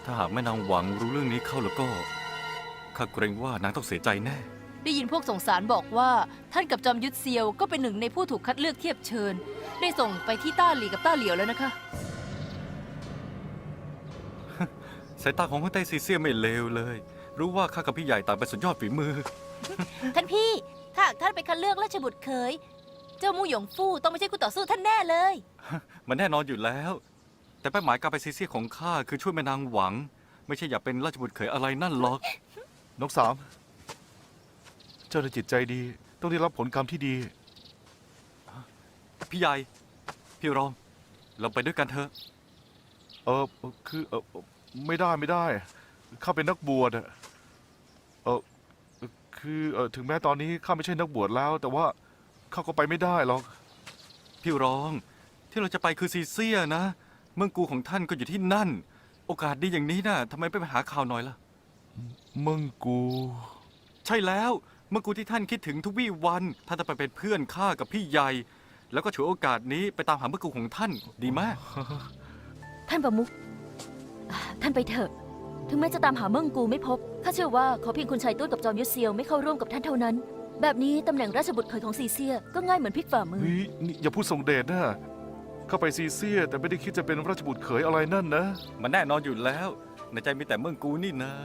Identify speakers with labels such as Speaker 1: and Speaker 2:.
Speaker 1: ถ้าหากแม่นางหวังรู้เรื่องนี้เข้าแล้วก็ข้าเกรงว่านางต้องเสียใจแน่
Speaker 2: ได้ยินพวกส่งสารบอกว่าท่านกับจอมยุทธเซียวก็เป็นหนึ่งในผู้ถูกคัดเลือกเทียบเชิญ ได้ส่งไปที่ต้าหลี่กับต้าเหลียวแล้วนะคะ
Speaker 1: สายตาของคนไต้ซีเซียไม่เลวเลย รู้ว่าข้ากับพี่ใหญ่ต่างเป็นสุดยอดฝีมือ
Speaker 2: ท่านพี่ถ้าท่านไปคัดเลือกราชบุตรเขยเจ้ามู่หยงฟู่ต้องไม่ใช่คู่ต่อสู้ท่านแน่เลย
Speaker 1: มันแน่นอนอยู่แล้ว แต่เป้าหมายการไปซีเซียของข้าคือช่วยแม่นางหวัง ไม่ใช่อยากเป็นราชบุตรเขยอะไรนั่นหรอก
Speaker 3: น้องสามเจ้าในจิตใจดีต้องได้รับผลกรรมที่ดี
Speaker 1: พี่ใหญ่ พี่รอง เราไปด้วยกันเถอะ
Speaker 3: คือไม่ได้ข้าเป็นนักบวชอะคือถึงแม้ตอนนี้ข้าไม่ใช่นักบวชแล้ว แต่ว่าข้าก็ไปไม่ได้หรอก
Speaker 1: พี่รอง ที่เราจะไปคือซีเซียนะ เมืองกูของท่านก็อยู่ที่นั่น โอกาสดีอย่างนี้นะทำไมไม่ไปหาข่าวหน่อยล่ะ
Speaker 3: มึงกู
Speaker 1: ใช่แล้ว เมืองกูที่ท่านคิดถึงทุกวี่วันท่านจะไปเป็นเพื่อนข้ากับพี่ใหญ่ แล้วก็ฉวยโอกาสนี้ไปตามหาเมืองกูของท่านดีมาก
Speaker 4: ท่านประมุขท่านไปเถอะ ถึงแม้จะตามหาเมืองกูไม่พบ ข้าเชื่อว่าขอเพียงคุณชายตุ้ยกับจอมยุทธเซียวไม่เข้าร่วมกับท่านเท่านั้น แบบนี้ตำแหน่งราชบุตรเขยของซีเซียก็ง่ายเหมือนพลิกฝ่ามือ
Speaker 3: เฮ้ยนี่อย่าพูดส่งเดชนะเข้าไปซีเซียแต่ไม่ได้คิดจะเป็นราชบุตรเขยอะไรนั่นนะ
Speaker 1: มันแน่นอนอยู่แล้ว ในใจมีแต่เมืองกูนี่นะ